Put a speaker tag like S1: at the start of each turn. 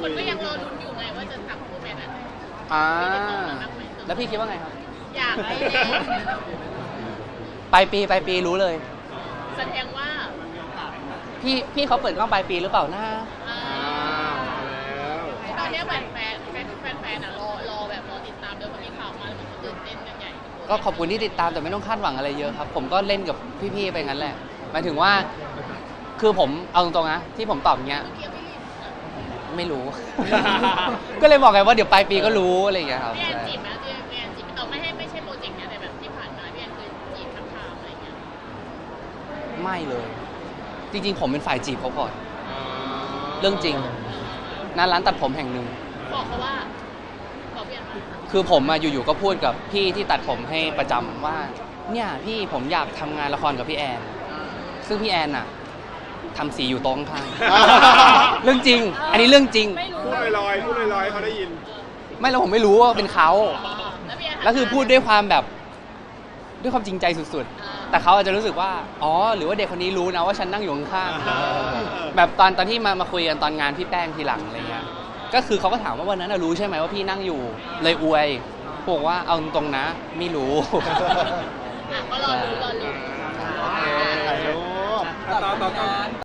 S1: คนก็ยังรอลุ้นอยู่ไงว่าจะจับคู่แมนอะไร
S2: แล้วพี่คิดว่าไงครับ
S1: อยากให้
S2: ปลายปีรู้เลย
S1: แสดงว่า
S2: พี่เขาเปิดกล้องปลายปีหรือเปล่านะ
S1: ตอนนี้แฟนอ่ะรอแบบรอติดตามด้วยเพราะมีข่าวมาแล้วมันตื่นเต้นกันใหญ่
S2: ก็ขอบคุณที่ติดตามแต่ไม่ต้องคาดหวังอะไรเยอะครับผมก็เล่นกับพี่ๆไปงั้นแหละหมายถึงว่าคือผมเอาตรงๆนะที่ผมตอบอย่างเงี้ยไม่รู้ ก็เลยบอกไงว่าเดี๋ยวปลายปีก็รู้อะไรอย่างเงี้ยครับ
S1: พี่แอนจีบไหมพี่แอนจีบแต่ไม่ใช่โปรเจกต์เนี้ยแต่แบบที่ผ่านมาพี่แอนเคยจีบทำข่าวอะไรเงี้ย
S2: ไม่เลยจริงๆผมเป็นฝ่ายจีบเขาก่อนเรื่องจริงร้านตัดผมแห่งหนึ่ง
S1: บอกเขาว่าบอกพี่แอนว่า
S2: คือผมอยู่ๆก็พูดกับพี่ที่ตัดผมให้ประจำว่าเนี่ยพี่ผมอยากทำงานละครกับพี่แอนซึ่งพี่แอนน่ะทำสีอยู่โต๊ะข้างๆ เรื่องจริงอันนี้เรื่องจริง
S3: พูดลอยเขาได้ยิน
S2: ไม่แล้วผมไม่รู้ว่าเป็นเขาแล้วคือพูดด้วยความแบบด้วยความจริงใจสุดๆแต่เขาอาจจะรู้สึกว่าอ๋อหรือว่าเด็กคนนี้รู้นะว่าฉันนั่งอยู่ข้างๆแบบตอนที่มาคุยกันตอนงานพี่แป้งทีหลังอะไรเงี้ยก็คือเขาก็ถามว่าวันนั้นรู้ใช่ไหมว่าพี่นั่งอยู่เลยอวยบอกว่าเอาตรงๆนะไม่รู้
S1: ก็รอดู
S3: โอเคถ่ายรูปต่อ